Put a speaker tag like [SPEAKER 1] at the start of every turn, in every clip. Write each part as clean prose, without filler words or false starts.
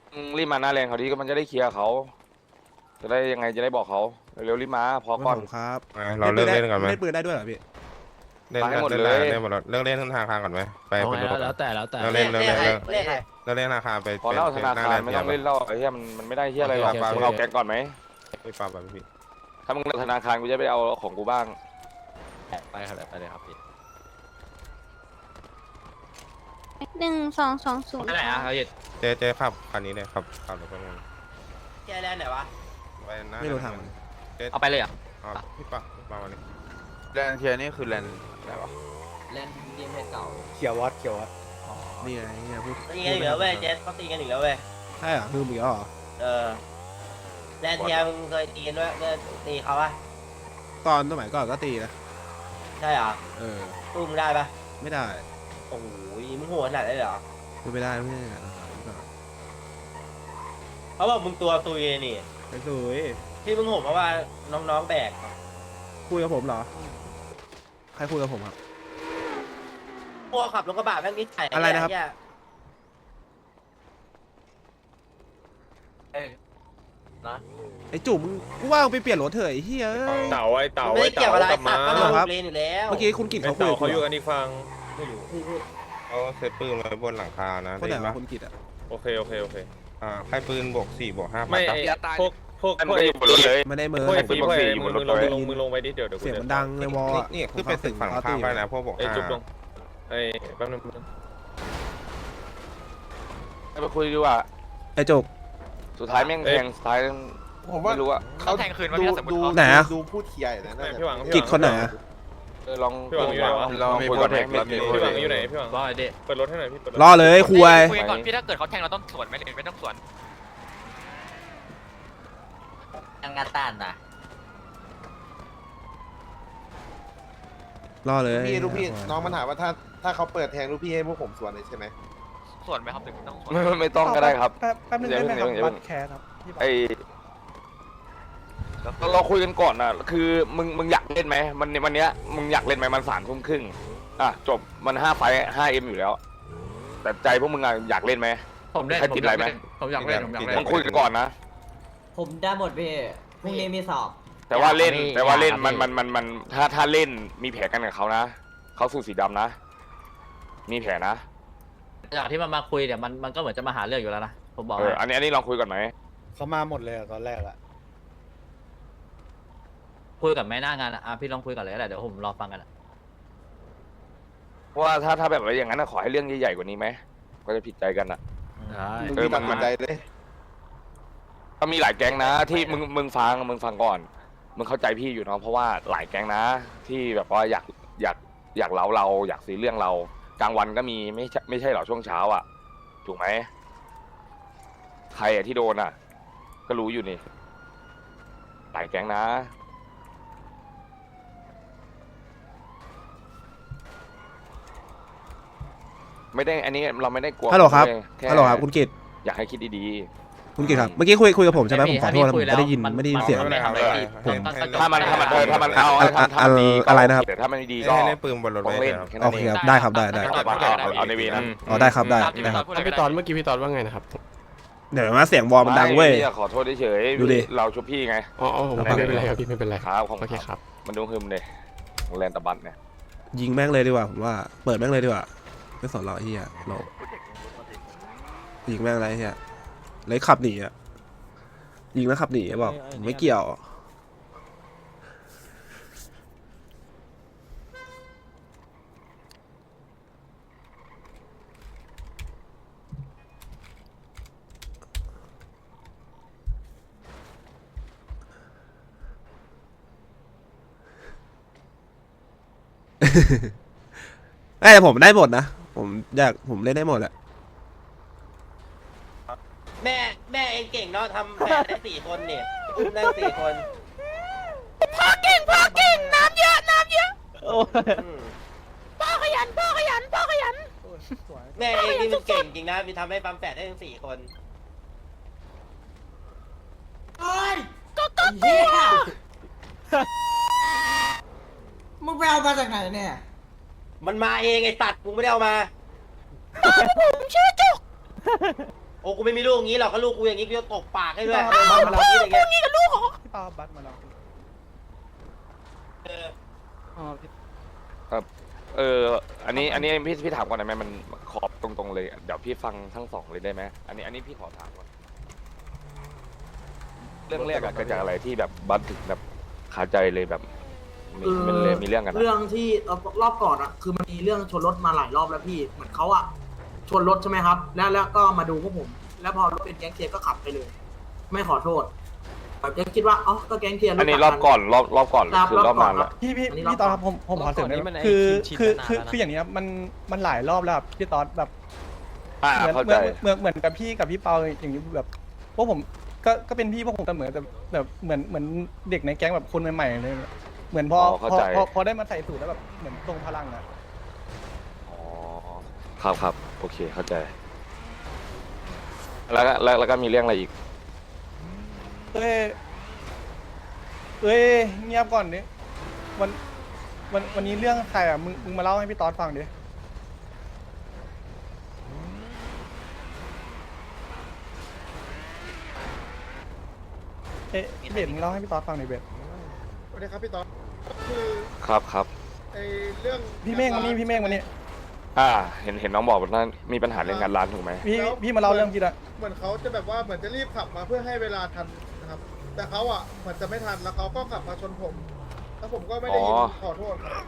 [SPEAKER 1] รีบมาหน้าแรงเขาดีก็มันจะได้เคลียร์เขาจะได้ยังไงจะได้บอกเขาเร็วๆรีบมาพอก่อน
[SPEAKER 2] ผมครับ
[SPEAKER 3] เราเลิกเล่นก่อนไหม
[SPEAKER 2] เล่นปืนได้ด้วยเหรอพี่
[SPEAKER 3] เล่น
[SPEAKER 1] มาให้หมด
[SPEAKER 3] เล่น
[SPEAKER 1] เลย
[SPEAKER 3] เล่นหมดแล้วเลิกเล่นธนาคารก่อนไหมไป
[SPEAKER 4] เอา
[SPEAKER 3] ไป
[SPEAKER 4] ไง
[SPEAKER 3] ดูก่อน
[SPEAKER 4] แล้วแต่แล้วแต่
[SPEAKER 3] เลิกเล่นเลิกเล่นเลิก
[SPEAKER 5] เลขอะไร
[SPEAKER 3] เลิกเล่นธนาคารไป
[SPEAKER 1] พอเล่าธนาคารไม่ต้องเล่นเล่าไอ้เหี้ยมันไม่ได้เหี้ยอะไรหรอกมึงเอาแก๊งก่อนไหม
[SPEAKER 3] ไปปรับแบบพี่
[SPEAKER 1] ถ้ามึงเล่นธนาคารกูจะไปเอาของกูบ้าง
[SPEAKER 4] ไปครับไปเลยครับพี่
[SPEAKER 6] 1220
[SPEAKER 4] ไปไหนอ่ะเขาหยุด
[SPEAKER 3] เจ๊ขับคันนี้เลยขับรถไปงาน
[SPEAKER 5] แกแลนด์ไหนวะ
[SPEAKER 3] ไปนะ
[SPEAKER 2] ไม่รู้ทาง
[SPEAKER 4] เอาไปเลยอ่ะ
[SPEAKER 3] พี่ปะมาวันนี้
[SPEAKER 7] แลนเทียนี่คือแลนอะไรวะ
[SPEAKER 4] เล่นเกมเพจเก่า
[SPEAKER 8] เขียววัดเขียววัด
[SPEAKER 2] นี่ไงนี่ไงพูด
[SPEAKER 5] ตีกันอีกแล้วเว้ยเจสเขาตีกันอีกแล้วเว้ย
[SPEAKER 2] ใช่เหรอลืมอีกแล้วเหรอ
[SPEAKER 5] เออแลนด์เทียมึงเคยตีกันด้วยตีเขาปะ
[SPEAKER 2] ตอนสมัยก่อนก็ตีนะ
[SPEAKER 5] ใช่เหรอ
[SPEAKER 2] เออ
[SPEAKER 5] ตู้มึงได้ปะ
[SPEAKER 2] ไม่ได้
[SPEAKER 5] โอ้โหมึงโหดขนาดนั้นเลยเหรอ
[SPEAKER 2] พูดไม่ได้ไม่ได้
[SPEAKER 5] เขาบอกมึงตัวตุยนี่
[SPEAKER 2] ไปสวย
[SPEAKER 5] ที่มึงโหดเพราะว่าน้องๆแบก
[SPEAKER 2] คุยกับผมเหรอใครคุยกับผมครับ
[SPEAKER 5] พวกขับรถกระบะแม่งนิสัย
[SPEAKER 2] อะไรนะครับ
[SPEAKER 5] เหี้ย
[SPEAKER 2] ไอ้จุ๋มกูว่ามึงไปเปลี่ยนรถเถอะไอ้เหี้ย
[SPEAKER 9] เต่าไอ้เต่า
[SPEAKER 5] มึงไม่
[SPEAKER 9] ไอ้
[SPEAKER 5] ได้เกี่ยว
[SPEAKER 9] เต่า
[SPEAKER 5] อะไร
[SPEAKER 9] กลับ
[SPEAKER 5] สั
[SPEAKER 9] มา
[SPEAKER 5] ตว์ก็ลงเลนอยู่แล้ว
[SPEAKER 2] เมื่อกี้คุณกิต
[SPEAKER 9] ไอ้
[SPEAKER 2] เขาคุย
[SPEAKER 9] เต่า
[SPEAKER 2] กับ
[SPEAKER 9] เขา
[SPEAKER 2] กู
[SPEAKER 9] อยู่
[SPEAKER 2] เหร
[SPEAKER 9] กันอีกฝั่ง
[SPEAKER 3] เขาเซตปืนไว้บนหลังคานะ
[SPEAKER 2] คนไหน
[SPEAKER 3] ได้
[SPEAKER 2] วะ
[SPEAKER 3] ปะ
[SPEAKER 2] คุณกิตอ่ะ
[SPEAKER 9] โอเคโอเคโอเค
[SPEAKER 3] ให้ปืนบวก4บวก5
[SPEAKER 9] ไม่ไอ้พวก
[SPEAKER 1] มันก็อยู่บนรถเลย
[SPEAKER 2] ไม่ได้เมิ
[SPEAKER 9] พวก
[SPEAKER 2] น
[SPEAKER 9] ไอ้ฟีพวกไอ้
[SPEAKER 1] อยู่
[SPEAKER 9] มึ
[SPEAKER 1] บ
[SPEAKER 9] ง
[SPEAKER 1] นรถ
[SPEAKER 9] มึงลงไปดิเดี๋ยว
[SPEAKER 2] เสียงมันดังเลยวอล
[SPEAKER 3] นี่คือเป็นตึกฝั่งข้ามไปนะพวกบวก
[SPEAKER 9] ไอ้จุ๊บลง
[SPEAKER 3] 5
[SPEAKER 9] ไอ้แป๊บนึง
[SPEAKER 1] ไปคุยดีกว่า
[SPEAKER 2] ไอ้จุก
[SPEAKER 1] สุดท้ายแม่งแทงสุดท้าย
[SPEAKER 7] ผมว่า
[SPEAKER 1] ไม่รู้อะ
[SPEAKER 7] เขาแทงคืนว่าพี่สมมติ
[SPEAKER 2] ไหนอะ
[SPEAKER 7] ดูพูดเคลียร์อยู่นะ
[SPEAKER 9] พี่หวัง
[SPEAKER 2] กิตคนไหนอะ
[SPEAKER 1] ลอง
[SPEAKER 9] พี่หวังอยู่ไหนวะ
[SPEAKER 1] ลองคุยก่อนไหม
[SPEAKER 9] พี่หวังอยู่ไหนพี่หวัง
[SPEAKER 4] ว่าไอเด็ก
[SPEAKER 9] เปิดรถให้หน่อยพี่เปิดรถ
[SPEAKER 2] รอเลยคุย
[SPEAKER 1] คุยก่อนพี่ถ้า
[SPEAKER 4] ต้องสวนไหมหรือไม่ต้องสวน
[SPEAKER 5] ยังงานต้านนะ
[SPEAKER 2] รอเลย
[SPEAKER 7] ลูกพี่น้องมันถามว่าถ้าเขาเปิดแทงลูกพี่ให้พวกผมสวนเลยใช่ไหม
[SPEAKER 4] สวนไหมครับหรือไม่ต้องสวน
[SPEAKER 1] ไม่ต้องก็ได้ครับ
[SPEAKER 8] แป๊บนึงได้ไหมครับบัตรแคสครับ
[SPEAKER 1] ไอเราคุยกันก่อนนะคือมึงอยากเล่นไหมวันเนี้ยมึงอยากเล่นไหมมัน3 ทุ่มครึ่งจบมัน5 ไฟต์ 5M อยู่แล้ว แต่ใจพวกมึงอะอยากเล่นไหม
[SPEAKER 4] ผมเล่น
[SPEAKER 1] ใครติดอะไรไหม
[SPEAKER 4] ผมอยากเล่นผมอยากเล่น
[SPEAKER 1] ต้องคุยกันก่อนนะ
[SPEAKER 5] ผมได้หมดพี่พรุ่งนี้มีสอบ
[SPEAKER 1] แต่ว่าเล่น
[SPEAKER 4] อยาก
[SPEAKER 1] แต่ว่าเล่น
[SPEAKER 4] อยาก
[SPEAKER 1] มันถ้าเล่นมีแผลกันกับเขานะเขาสูตรสีดำนะ มีแผลนะ
[SPEAKER 4] จากที่มันมาคุยเนี่ยมันก็เหมือนจะมาหาเรื่องอยู่แล้วนะผมบอก
[SPEAKER 1] อันนี้ลองคุยก่อนไหม
[SPEAKER 8] เขามาหมดเลยตอนแรกอะ
[SPEAKER 4] คุยกับแม่หน้างานอ่ะพี่ลองคุยกันเลยก็ได้เดี๋ยวผมรอฟังกัน
[SPEAKER 1] เพราะว่าถ้าแบบว่าอย่างนั้นขอให้เรื่องใหญ่ๆกว่านี้ไหมก็จะผิดใจกันอ่ะ
[SPEAKER 4] ได้
[SPEAKER 7] มึงมีตัดสินใจเลย
[SPEAKER 1] ก็มีหลายแก๊งนะที่มึงฟังก่อนมึงเข้าใจพี่อยู่เนาะเพราะว่าหลายแก๊งนะ ที่แบบว่าอยากเล้าเราอยากซื้อเรื่องเรากลางวันก็มีไม่ใช่หรอช่วงเช้าอ่ะถูกไหมใครที่โดนอ่ะ ก็รู้อยู่นี่หลายแก๊งนะ ไม่ได้อันนี้เราไม่ได้กลัว
[SPEAKER 2] ฮัลโหลครับ
[SPEAKER 1] แค่
[SPEAKER 2] ฮัลโหลครับคุณกิต
[SPEAKER 1] อยากให้คิดดี
[SPEAKER 2] คุณกิตครับเมื่อกี้คุยกับผมใช่ไหมผมขอโทษนะผมไม่ได้ยินเสียง
[SPEAKER 4] ไม่ทำอะไรผิด
[SPEAKER 1] ถ้ามันเอาถ้ามันดีก็
[SPEAKER 2] อะไรนะครับ
[SPEAKER 1] แต่ถ้ามันไม่ดีก็
[SPEAKER 3] ให้เล่นปืนบนรถ
[SPEAKER 1] ต้อง
[SPEAKER 3] ไว้
[SPEAKER 1] เล่น
[SPEAKER 3] ครับ
[SPEAKER 1] แค่
[SPEAKER 2] โอ
[SPEAKER 1] นั้น
[SPEAKER 2] เค
[SPEAKER 1] เอง
[SPEAKER 2] ครับได้ครับได้
[SPEAKER 1] เอาในเวนะ
[SPEAKER 2] อ๋อได้ครับได้ครับ
[SPEAKER 9] พี่ตอนเมื่อกี้พี่ตอนว่าไงนะครับ
[SPEAKER 2] เดี๋ยวมาเสียงวอลมันดังเว้ย
[SPEAKER 1] ไม่ขอโทษเฉยๆ
[SPEAKER 2] ดูดิ
[SPEAKER 1] เราชุบพี่ไง
[SPEAKER 9] อ๋อไม่เป็นไรครับพี่ไม่เป็นไร
[SPEAKER 1] ครับของ
[SPEAKER 9] โอเคครับ
[SPEAKER 1] มันดูหึมเลยแลนตะบันเนี่ย
[SPEAKER 2] ยิงแม่งเลยดีกว่าผมว่าเปิดแม่งเลยดีกว่าไม่สนเราไอ้เฮียเรายิงแม่งอะไรเฮียเลยขับหนีอ่ะยิงแล้วขับหนีบอกผมไม่เกี่ยว แต่ผมได้หมดนะผมเล่นได้หมดแหละ
[SPEAKER 5] แม่เองเก่งเนาะทำแผนได้4 คนเนี่ยอุ้มได้4 คนพ่อเก่งน้ำเยอะพ่อขยันแม่เองนี่มันเก่งจริงนะมีทำให้ปั๊มแฝดได้ถึง4 คน
[SPEAKER 10] มึงไปเอามาจากไหนเนี่ย
[SPEAKER 5] มันมาเองไอ้สัตว์กูไม่ได้เอามาโอ้กูไม่มีลูกอย่างนี้หรอกก็ลูกกูอย่างนี้กูจะตบปากให้ด้วย
[SPEAKER 8] พี่ปามาแล้ว
[SPEAKER 5] อย่างเงี้ย
[SPEAKER 8] พี่ปาบัตรมาแล้ว
[SPEAKER 5] เออ
[SPEAKER 1] อันนี้พี่ถามก่อนได้ไหมมันขอบตรงๆเลยเดี๋ยวพี่ฟังทั้งสองเลยได้ไหมอันนี้พี่ขอถามก่อนเรื่องแรกอะเกิดจากอะไรที่แบบบัสถึงแบบขาใจเลยแบบมันเลยมีเรื่องกันอะ
[SPEAKER 10] เรื่องที่รอบก่อนอะคือมันมีเรื่องชนรถมาหลายรอบแล้วพี่เหมือนเขาอะชนรถใช่ไหมครับ แล้วก็มาดูพวกผม แล้วพอรถเป็นแก๊งเทียร์ก็ขับไปเลย ไม่ขอโทษแบบแก๊งคิดว่าอ๋อก็แก๊งเทียร์
[SPEAKER 1] อันนี้รอบก่อนรอบก่อน
[SPEAKER 10] ครับ
[SPEAKER 1] คือรอบนาน
[SPEAKER 10] ครั
[SPEAKER 1] ละ
[SPEAKER 10] บ
[SPEAKER 8] พี่ตอนครับผมขอเสริมได้ไหมคืออย่างเนี้ยมันหลายรอบแล้วครับพี่ตอนแบบ
[SPEAKER 1] เข้าใจ
[SPEAKER 8] เหมือนกับพี่กับพี่เปาอย่างนี้แบบพวกผมก็เป็นพี่พวกผมเสมอแต่แบบเหมือนเด็กในแก๊งแบบคนใหม่ๆเลยเหมือนพอได้มาใส่สูตรแล้วแบบเหมือนทรงพลังอะ
[SPEAKER 1] อ๋อครับโอเคเข้าใจแล้วก็มีเรื่องอะไรอีก
[SPEAKER 8] เอ้ยเงียบก่อนดิวันนี้เรื่องใครอ่ะมึงมาเล่าให้พี่ตอดฟังดิเบสมึงเล่าให้พี่ตอดฟังหน่อยเบส
[SPEAKER 7] สวัสดีครับพี่ต๊อดคือ
[SPEAKER 1] ครับ
[SPEAKER 7] ไอเรื่อง
[SPEAKER 8] พี่เมฆวันนี้
[SPEAKER 1] เห็นน้องบอกว่ามีปัญหาเรื่องงานร้านถูกไหม
[SPEAKER 8] พี่มาเล่าเรื่องพี่ละ
[SPEAKER 7] เหมือนเขาจะแบบว่าเหมือนจะรีบขับมาเพื่อให้เวลาทันนะครับ แต่เขาอ่ะเหมือนจะไม่ทันแล้วเขาก็ขับมาชนผมแล้วผมก็ไม่ได้ยินขอโทษครับ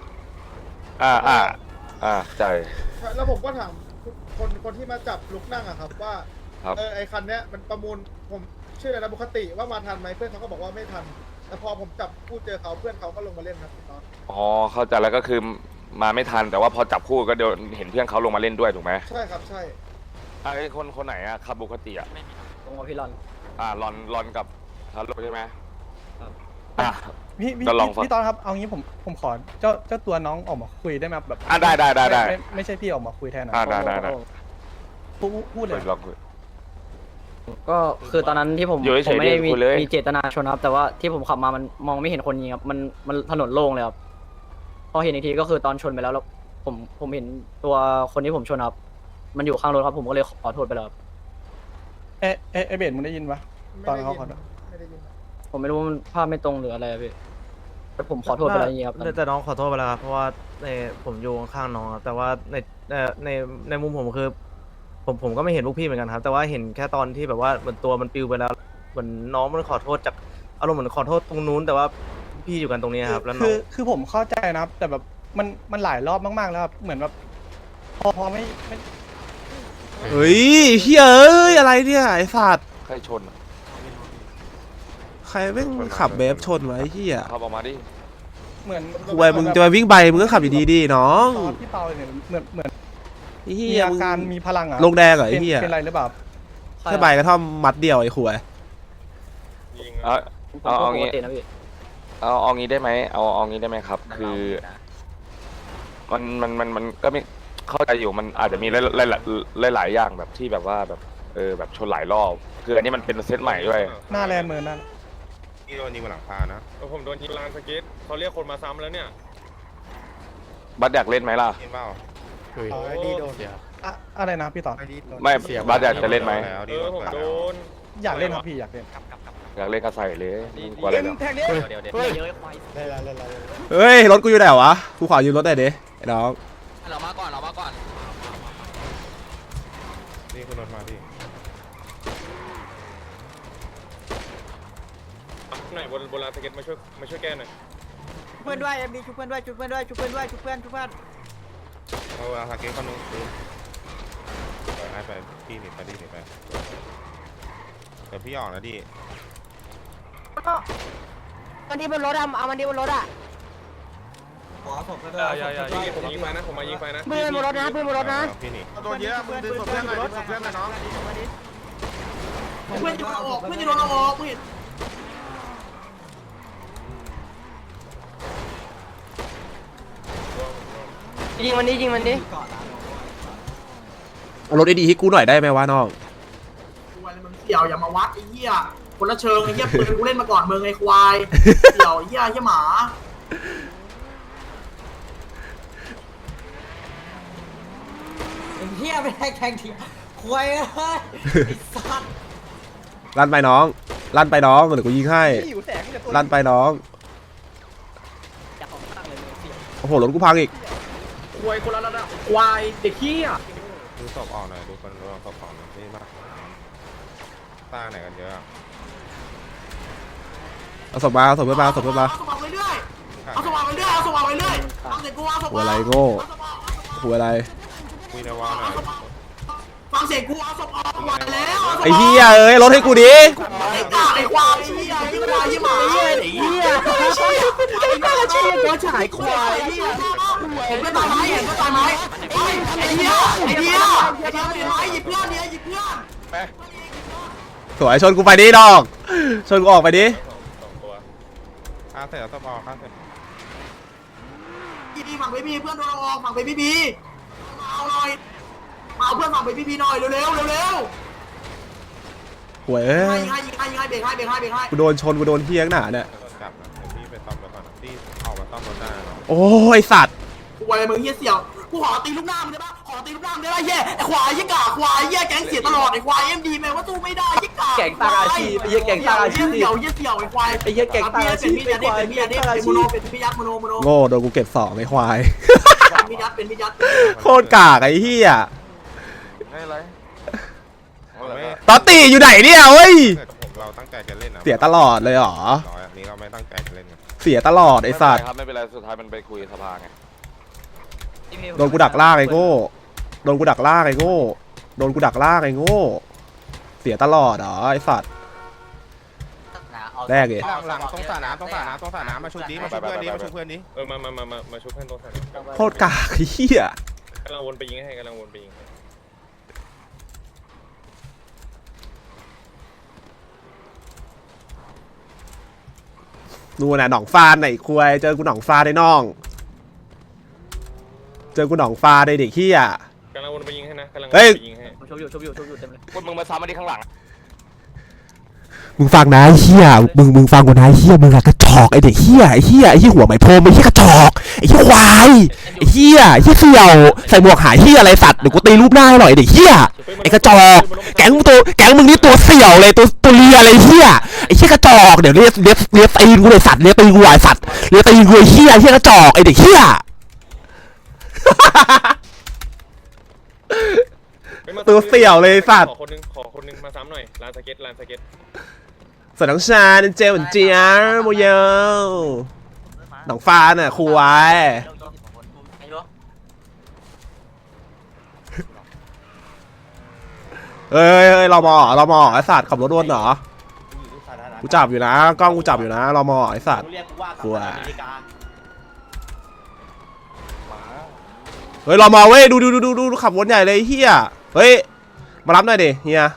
[SPEAKER 1] ใจ
[SPEAKER 7] แล้วผมก็ถามคนที่มาจับลุกนั่งอะครับว่า
[SPEAKER 1] ครับ
[SPEAKER 7] ไอคันเนี้ยมันประมูลผมชื่ออะไรนะบุคติว่ามาทันไหมเพื่อนเขาก็บอกว่าไม่ทัน แต่พอผมจับคู่เจอเขาเพื่อนเขาก็ลงมาเล่นครับพี่ต๊อด
[SPEAKER 1] อ๋อเข้าใจแล้วก็คือมาไม่ทันแต่ว่าพอจับคู่ก็เดี๋ยวเห็นเพื่อนเขาลงมาเล่นด้วยถูกไหม
[SPEAKER 7] ใช่ครับใช่
[SPEAKER 1] ไอ้คนไหนอะขับปกติอะ
[SPEAKER 4] ตรงกับพี่รอน
[SPEAKER 1] รอนกับฮัลโหลใช่ไหม
[SPEAKER 8] พี่ตอดครับเอางี้ผมขอเจ้าตัวน้องออกมาคุยได้ไหมแบบ
[SPEAKER 1] ได้
[SPEAKER 8] ไม่ใช่พี่ออกมาคุยแทนนะ
[SPEAKER 1] ได้
[SPEAKER 8] พูดเลย
[SPEAKER 1] ลองคุย
[SPEAKER 4] ก็คือตอนนั้นที่ผม
[SPEAKER 1] อยู่เฉยๆ
[SPEAKER 4] ไม่ได้
[SPEAKER 1] คุยเลย
[SPEAKER 4] มีเจตนาชนครับ แต่ว่าที่ผมขับมามันมองไม่เห็นคนยิงครับมันถนนโล่งเลยครับพอเห็นอีกทีก็คือตอนชนไปแล้วผมเห็นตัวคนที่ผมชนครับมันอยู่ข้างรถครับผมก็เลยขอโทษไปแล้วครับ
[SPEAKER 8] เอเบสมึงได้ยินปะตอนเขาขอโทษ
[SPEAKER 7] ไม่ได้ยิน
[SPEAKER 4] ผมไม่รู้ว่ามันภาพไม่ตรงหรืออะไรอะพี่แต่ผมขอโทษไปแล้วจริงๆครับ
[SPEAKER 6] แต่น้องขอโทษไปแล้วครับเพราะว่าในผมอยู่ข้างๆน้องครับแต่ว่าในมุมผมคือผมก็ไม่เห็นพวกพี่เหมือนกันครับ แต่ว่าเห็นแค่ตอนที่แบบว่าเหมือนตัวมันปลิวไปแล้วเหมือนน้องมันขอโทษจากอารมณ์เหมือนขอโทษตรงนู้น แต่ว่าพี่อยู่กันตรงนี้ครับแล้วน้อง
[SPEAKER 8] คือผมเข้าใจนะครับ แต่แบบมันหลายรอบมากๆแล้วครับเหมือนแบบพอไม่
[SPEAKER 2] เฮ้ยเฮ้ยเอ้ยอะไรเนี่ยไอ้สัตว์
[SPEAKER 1] ใครชนอะ
[SPEAKER 2] ใครแม่งขับเบฟชนไว้เฮีย
[SPEAKER 1] ขับออกมาดิ
[SPEAKER 8] เหมือน
[SPEAKER 2] กูไปมึงจะไปวิ่งไปมึงก็ขับดีๆดิน้อง
[SPEAKER 8] ตอนพี่เปาเนี่ยเหมือน
[SPEAKER 2] ไอ้เฮี
[SPEAKER 8] มี
[SPEAKER 2] ย
[SPEAKER 8] อาการมีพลังอ่ะ
[SPEAKER 2] ลงแดงเหรอไอ้เฮีย
[SPEAKER 8] เป็นไรหรือเปล่า
[SPEAKER 2] แค่ใบกระท่อมมัดเดียวไอ้ขวย
[SPEAKER 3] ยิง
[SPEAKER 4] ผมก็
[SPEAKER 1] เอา
[SPEAKER 4] ป
[SPEAKER 1] งี้
[SPEAKER 4] กตินะพี่
[SPEAKER 1] เอางี้ได้ไหมเอางี้ได้ไหมครับ คือมันก็ไม่เข้าใจอยู่มันอาจจะมีหลายอย่างแบบที่แบบว่าแบบแบบชนหลายรอบคืออันนี้มันเป็นเซตใหม่ด้วย
[SPEAKER 8] หน้าแลนด์เมินนั่น
[SPEAKER 3] นี่โดนยิงบนหลังคานะ
[SPEAKER 9] ผมโดนยิงลานสเก็ตเขาเรียกคนมาซ้ำแล้วเนี่ย
[SPEAKER 1] บัสอยากเล่นไหมล่ะ
[SPEAKER 3] ยิงเปล่า
[SPEAKER 8] อะไรนะพี่ต่อ
[SPEAKER 1] ไม่บัสอยากจะเล่นไหม
[SPEAKER 3] แล้วที่รถ
[SPEAKER 9] ผม
[SPEAKER 3] เปิด
[SPEAKER 9] โด
[SPEAKER 3] แล้ว
[SPEAKER 9] น
[SPEAKER 8] อยากเล่นครับพี่อยากเล่น
[SPEAKER 1] อยากเล่นก็ใส่เลยกลัวอะไรหรอ
[SPEAKER 8] แทงนี้
[SPEAKER 4] เดี๋ยว
[SPEAKER 8] เฮ้ย
[SPEAKER 4] เยอะควาย
[SPEAKER 8] เล่น
[SPEAKER 2] เฮ้ยรถกูอยู่ไหนวะกูขอยืมรถหน่อยดิไอ้น้อง
[SPEAKER 4] เรามาก่อน
[SPEAKER 3] นี่คือรถมาพี่
[SPEAKER 9] ไหนบนลานสเก็ตมาช่วยแก้หน่อย
[SPEAKER 10] เพื่อนด้วยมีชุบเพื่อนด้วยชุบเพื่อนด้วยชุบเพื่อนด้วยชุบเพื่อน
[SPEAKER 3] เอาอาสาเกตคนนึงปืนให้ไปพี่หนีไปดิหนีไปเดี๋ยวพี่ออกนะดิ
[SPEAKER 10] มันที่บนรถอะเอามันที่บนรถอะ
[SPEAKER 9] อย่าผมยิงไฟนะผมมายิงไฟนะ
[SPEAKER 10] เพื่อนบนรถนะเพื่อนบนรถนะ
[SPEAKER 3] พี่หนี
[SPEAKER 7] ตัวเยอะมึงดึงศพเพื่อนหน่อยดึงศพเพื่อนหน่อยน้อง
[SPEAKER 10] เพื่อนจะโดนออกเพื่อนจะโดนออกเพื่อน
[SPEAKER 5] ยิงมันดิ
[SPEAKER 2] เอารถดีๆให้กูหน่อยได้ไหมวะน้อง
[SPEAKER 10] ควายมึงเสี่ยวอย่ามาวัดไอ้เหี้ยคนละเชิงไอ้เหี้ยปืนกูเล่นมาก่อนมึงไอ้ควายเสี่ยวไอ้เหี้ยหมาไอ้เหี้ยไม่ได้แทงทีค
[SPEAKER 5] ควายไอ้สัตว์
[SPEAKER 2] ลั่นไปน้องลั่นไปน้องเดี๋ยวกูยิงให้
[SPEAKER 8] พี่อยู่แสงแต่ตัว
[SPEAKER 2] ลั่นไปน้อง
[SPEAKER 4] จากของข้างเลยเสีย
[SPEAKER 2] โอ้โหรถกูพังอีก
[SPEAKER 6] ควายคนละระดับควายเด็กขี้อ่ะ
[SPEAKER 3] ดูศพออกหน่อยดูคนดูศพออกหน่อยนี่มากตาไหนกันเยอะอะ
[SPEAKER 2] เอาศพมาเอาศพเพื่อนมาเอาศพเพื่อนมา
[SPEAKER 10] เอาสว่างไปเรื่อยเอาสว่างไปเรื่อยเอาสว่างไปเรื่อยเอาเสียงกูเอาส
[SPEAKER 2] หัว
[SPEAKER 10] ว่าง
[SPEAKER 2] อะไรโง่หัวอะไร
[SPEAKER 3] คุยในวอลหน่อย
[SPEAKER 10] ฟังเสียงกูเอาสว่างไหวแล้ว
[SPEAKER 2] ไอ้เหี้ยเอ้ยรถให้กูดิ
[SPEAKER 10] ไอ้กาไอ้ควายไอ้เหี้ยไอ้ควายไอ้หมาไอ้เหี้ยไอ้หน้าเชี่ยก็ฉายควายไอ้เหี้ยเห็นก็ตายไหมเห็นก็ตายไหมไอ้เหี้ยไอ้เหี้ยไอ้เหี้ยเห็นไหมหยิบเพื่อนเนี่ยหยิบเพื่อน
[SPEAKER 2] สวยชนกูไปดิดอกชนกูออกไปดิ
[SPEAKER 9] 2 ตัว
[SPEAKER 3] ฆ่าเสร็จแล้วศพออกฆ่าเสร็จ
[SPEAKER 10] พี่ฝั่งเบบี้เพื่อนโดนออกฝั่งเบบี้มาเอาหน่อยมาเอาเพื่อนฝั่งเบบี้หน่อยเร็วเร็วเร็ว
[SPEAKER 2] หวยเอ้ย
[SPEAKER 10] ยิงให้เบรกให้
[SPEAKER 2] กูโดนชนกูโดนเฮี้ยงหนาเนี่ย
[SPEAKER 3] โดนจับนะเดี๋ยวพี่ไปซ่อมรถก่อนนะพี่ออกมาซ่อมรถได้นะ
[SPEAKER 2] โอ้ยสัตว์
[SPEAKER 10] กูอะไรมึงเหี้ยเสี่ยวกูขอตีลูกหน้ามึงได้ปะขอตีลูกหน้ามึงได้ปะเหี้ยไอ้ควายยี่กาควายเหี้ยแก๊งเสียตลอดไอ้ควายเอ็มดีแม่ว่าสู้ไม่ได้ยี่กา
[SPEAKER 6] แก๊งตาอาชีพไอ้เหี้ยแก๊งตาอาชีพ
[SPEAKER 10] เสี่ยวไอ้ควาย
[SPEAKER 6] ไอ้เหี้ยแก๊งตาอาชีพ
[SPEAKER 10] เป็นพี่ยัดเป็นโมโนเป็นพี่ยัดโมโน
[SPEAKER 2] โง่โดนกูเก็บสองไอ้ควาย
[SPEAKER 10] เป็นพี่ยัด
[SPEAKER 2] โคตรกากไอ้เฮี้ย
[SPEAKER 1] ไม่อะไร
[SPEAKER 3] ไม่
[SPEAKER 2] ตอตตีอยู่ไหนเนี่ยเว้ย
[SPEAKER 3] เกิดผมเราตั้งใจจะเล่นนะ
[SPEAKER 2] เสียตลอดเลยเหรอ
[SPEAKER 3] ร้อยอันนี้เราไม่ตั้งใจจะเล่นกัน
[SPEAKER 2] เสียตลอดไอ้สัตว์
[SPEAKER 1] ไม่เป็นไรครับไม่เป็นไรสุดท้ายมันไปคุยสภาไง
[SPEAKER 2] โดนกูดักล่างไอ้โง่โดนกูดักล่างไอ้โง่โดนกูดักล่างไอ้โง่เสียตลอดเหรอไอ้สัตว์แรกเลย
[SPEAKER 3] หลังตรงสระน้ำมาชุบดิมาชุบเพื่อนดิมาชุบเพื่อนดิ
[SPEAKER 9] มาชุบเพื่อนตรงสนาม
[SPEAKER 2] โคตรกากไอ้เหี้ย
[SPEAKER 9] กำลังวนไปยิงให้กำลังวนไปยิงให้
[SPEAKER 2] นู่นน่ะหนองฟานไหนคุยเจอกูหนองฟาได้น้อง เจอกูหนองฟาได้เด็กเหี้ย
[SPEAKER 9] กำลังวนไปยิงให้นะกำลังวน
[SPEAKER 2] เฮ้ย
[SPEAKER 9] ไปยิงให้
[SPEAKER 4] ผมชบอยู่เต็มเลย
[SPEAKER 1] พวกมึงมาซ้ำมาที่ข้างหลัง
[SPEAKER 2] มึงฟังนะไอ้เหี้ยมึงฟังกูนะไอ้เหี้ยมึงอะกระจอกไอ้เด็กเหี้ยไอ้เหี้ยหัวไหมพรมไอ้เหี้ยกระจอกไอ้เหี้ยควายไอ้เหี้ยเสี่ยวใส่หมวกหายเหี้ยอะไรสัตว์เดี๋ยวกูตีรูปหน้าให้หน่อยไอ้เด็กเหี้ยไอ้กระจอกแก๊งมึงนี่ตัวเสี่ยวเลยตัวเลียอะไรเหี้ยไอ้เหี้ยกระจอกเดี๋ยวเรียกตีนกูเลยสัตว์เรียกตีนกูไอ้สัตว์เรียกตีนกูไอ้เหี้ยกระจอกไอ้เด็กเหี้ย ตัวเสี่ยวเลยสัตว์
[SPEAKER 9] ขอคนนึงมาซ้ำหน่อยลานสเก็ต
[SPEAKER 2] สวัสดีน้องชาเจลเจียโมเยลหนองฟ้าน่ะครูไว้เอ้ยเรามอไอสัตว์ขับรถวนเหรอกูจับอยู่นะกล้องกูจับอยู่นะเรามอไอสัตว์
[SPEAKER 5] เรียกกูว่ากั
[SPEAKER 2] กลัว
[SPEAKER 5] อเมริกา
[SPEAKER 2] เฮ้ยเรามอเว้ยดูขับวนใหญ่เลยเฮียเฮ้ยมารับหน่อยดิเฮีย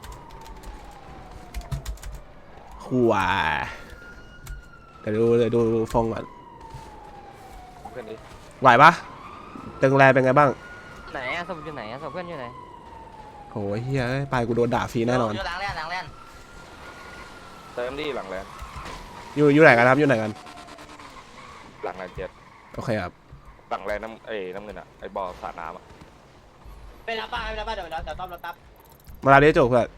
[SPEAKER 2] ครูไว้เดี๋ยวดูฟงก่อน
[SPEAKER 1] เพื่อนดิ
[SPEAKER 2] ไหวปะตึงแรเป็นไงบ้าง
[SPEAKER 4] ไหนอะศพอยู่ไหนอะศพเพื่อนอยู่ไหน
[SPEAKER 2] โอ้ยเฮียไปกูโดนด่าฟรีแน่นอน
[SPEAKER 5] อยู่หลังแล่น
[SPEAKER 1] เติมดิหลังแลน
[SPEAKER 2] อยู่ไหนกันครับอยู่ไหนกัน
[SPEAKER 1] หลังแลนเจ็ด
[SPEAKER 2] โอเคครับ
[SPEAKER 1] หลังแลนน้ำเงินอ่ะไอ้บ่อสระน้ำอ่ะ
[SPEAKER 5] ไปรับบ้านเดี๋ยวต้อมรถตับ
[SPEAKER 2] มาลาเรียจบเพื่อน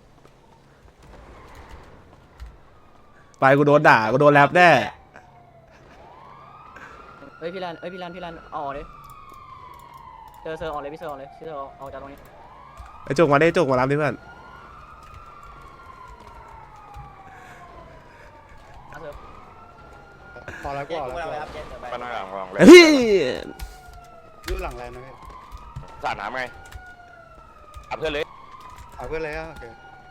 [SPEAKER 2] ไปกูโดนด่ากูโดนแรปแน่
[SPEAKER 4] เฮ้ยพี่รันออกเลยเซอร์ออกเลยพี่เซอร์ออกเลยพี่เซอร์ออกจากตรงนี้
[SPEAKER 2] ไอ้จุกมาได้จุกมารับดิเพื่อน
[SPEAKER 8] พอแล้ว
[SPEAKER 5] เจ๊
[SPEAKER 8] ก็
[SPEAKER 5] กู
[SPEAKER 8] แล้ว
[SPEAKER 5] ไปรับเจ๊เดี๋ยวไป
[SPEAKER 1] ไปนั่งหลังแลน
[SPEAKER 2] เฮ้ย
[SPEAKER 8] อยู่หลังแลนด์นะพี่
[SPEAKER 1] สระน้ำไงเอาเพื่อนเลย
[SPEAKER 8] เอาเพื่อนเลยอ่ะโอเค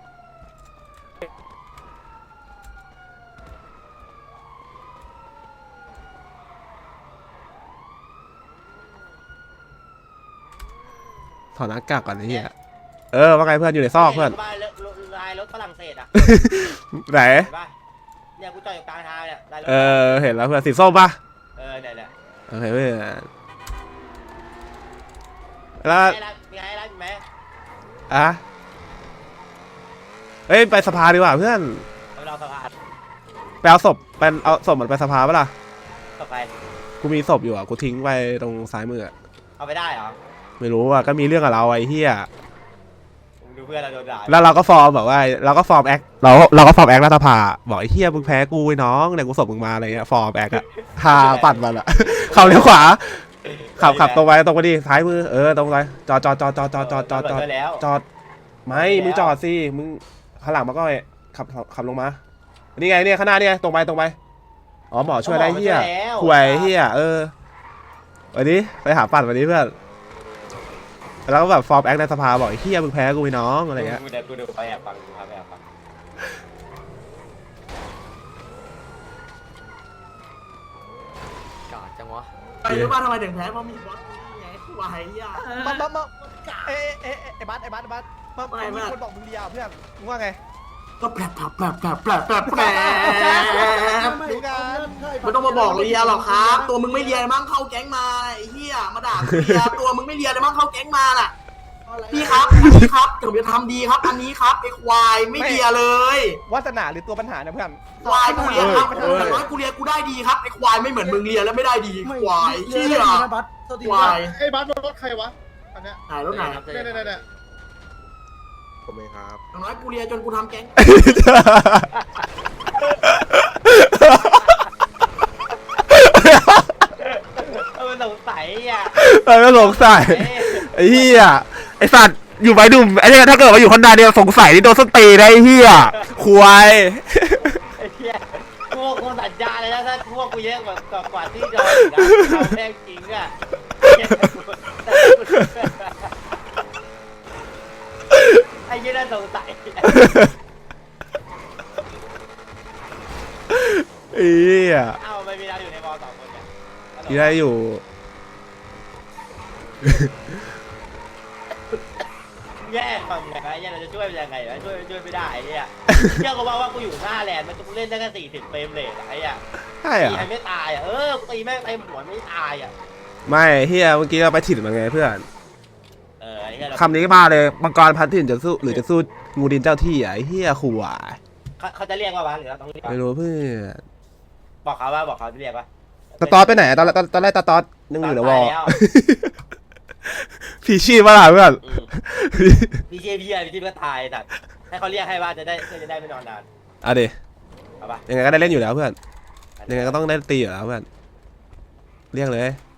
[SPEAKER 2] ถอดหน้ากากก่อนไอ้เหี้ยว่าไงเพื่อนอยู่ในซอกเพื่อน
[SPEAKER 5] บ้านลายรถฝรั่งเศสอ่ะ
[SPEAKER 2] ไหน
[SPEAKER 5] เห็นปะเนี่ยกูจอดอยู่กลางทางเนี่ยลายรถ
[SPEAKER 2] เห็นแล้วเพื่อนสีส้มปะ
[SPEAKER 5] เนี่ย
[SPEAKER 2] โอเคเพื่อนแล้ว
[SPEAKER 5] มีไงรับไหม
[SPEAKER 2] อ่ะเฮ้ยไปสภาดีกว่าเพื่อน
[SPEAKER 5] เราสภาพ
[SPEAKER 2] ไปเอาศพเอาศพมันไปสภาปะล่ะ
[SPEAKER 5] ต่อไป
[SPEAKER 2] กูมีศพอยู่อ่ะกูทิ้งไว้ตรงซ้ายมืออะ
[SPEAKER 5] เอาไปได้เหรอ
[SPEAKER 2] ไม่รู้อ่ะก็มีเรื่องกับเราไอ้เหี้ย
[SPEAKER 5] ดูเพื่อนเราโดนด่า
[SPEAKER 2] แล้วเราก็ฟอร์มแบบว่าเราก็ฟอร์มแอคเราก็ฟอร์มแอครัฐสภาบอกไอ้เฮียมึงแพ้กูไอ้น้องเนี่ยกูส่งมึงมาอะไรเงี้ยฟอร์มแอคอะพาปั่นมันอะเข้าเลี้ยวขวาขับตรงไปดิซ้ายมือตรงไปจอดจอดไม่มึงจอดสิมึงข้างหลังมาก็ขับลงมานี่ไงเนี่ยข้างหน้าเนี่ยตรงไปอ๋อหมอช่วยได้เฮียห่วยเฮียวันนี้ไปหาปั่นวันนี้เพื่อนแล้วก็แบบฟอร์มแอคในสภาบอกไอ้เฮียมึงแพ้กูไอ้น้องอะไรเงี้ย
[SPEAKER 5] กูดูไปแอบฟังดูครับไปแอบฟัง
[SPEAKER 4] กาดจังวะ
[SPEAKER 10] ไปรู้ป่ะทำไมถึงแพ้เพราะมีบอสไงวายอ่ะ
[SPEAKER 8] มาไอ้บัสมีคนบอกมึงเลียเพื่อนมึงว่าไง
[SPEAKER 10] ก็แปล
[SPEAKER 8] ดูกัน
[SPEAKER 10] ไม่ต้องมาบอกเลียหรอกครับ ตัวมึงไม่เลียมั่งเข้าแก๊งมาไอ้เหี้ยมาด่าเลียตัวมึงไม่เลียเลยมั่งเข้าแก๊งมาน่ะพี่ครับพี่ครับผมจะทำดีครับอันนี้ครับไอ้ควายไม่เลียเลยว
[SPEAKER 8] าสนาหรือตัวปัญหาเนี่ยเพื่อน
[SPEAKER 10] ควายกูเลียครับแต่น้อยกูเลียกูได้ดีครับไอ้ควายไม่เหมือนมึงเลียแล้วไม่ได้ดีควายเชี่ยควาย
[SPEAKER 7] ไอ้บัสรถใครวะอันเนี้ย
[SPEAKER 10] ไหนรถไหน
[SPEAKER 7] เนี่ย
[SPEAKER 3] ผมเองครับ
[SPEAKER 10] อย่างน้อยกูเลียจนกูทำแก๊ง
[SPEAKER 5] มันสงสัยอ่ะ
[SPEAKER 2] ก็สงสัยไอ้เหี้ยไอ้สัตว์อยู่ใบดุ่มไอ้เนี่ยถ้าเกิดมาอยู่คนใดเดียวสงสัยนี่โดนส้นตีได้ไอ้เหี้ยควาย
[SPEAKER 5] ไอ้เหี้ยพวกคนสัญญาเลยนะถ้าพวกกูเยอะกว่าที่โดนนะเราแม่งจริงอ่ะไอ้เหี้ยน่าสงสัย
[SPEAKER 2] ไอ้เหี้ย
[SPEAKER 5] เอ้าไม่มีเราอยู่ในมอ2 คนเนี่ย
[SPEAKER 2] ที่ได้อยู่
[SPEAKER 5] แย่ฟังไงไอ้เหี้ยเราจะช่วยมันยังไงวะช่วยไม่ได้ไอ้เหี้ยเชื่อกูว่ากูอยู่หน้าแลนด์มันกูเล่นได้แค่40 เฟรมเรทไอ้เหี้ย
[SPEAKER 2] ใช่
[SPEAKER 5] ตี
[SPEAKER 2] อ่ะ
[SPEAKER 5] ใครไม่ตายอ่ะกูตีแม่งเต็มหัวไม่ตายอ่ะ
[SPEAKER 2] ไม่เหี้ยเมื่อกี้เราไปถิ่นมันไงเพื่อน
[SPEAKER 5] ไอ้เหี้ย
[SPEAKER 2] คำนี้มาเลยมังกรพันถิ่นจะสู้หรือจะสู้งูดินเจ้าที่อ่ะไอ้เหี้ยขู่อ่ะ
[SPEAKER 5] เขาจะเรียกว่าวะหรือเราต้องเรียก
[SPEAKER 2] ไม่รู้เพื่อน
[SPEAKER 5] บอกเขาจะเรียกว่า
[SPEAKER 2] ตาตอดไปไหนตอนแรกตาตอดนึกอยู่ในวอล
[SPEAKER 5] แล้ว
[SPEAKER 2] ผีชีพมาล่ะเพื่อน
[SPEAKER 5] พี่เจพี่อะไรพี่ก็ตายแต่ให้เขาเรียกให้ว่าจะได้ไม่นอนนาน
[SPEAKER 2] อ่ะดิ
[SPEAKER 5] เอาปะ
[SPEAKER 2] ยังไงก็ได้เล่นอยู่แล้วเพื่อนยังไงก็ต้องได้ตีอยู่แล้วเพื่อนเรียกเลย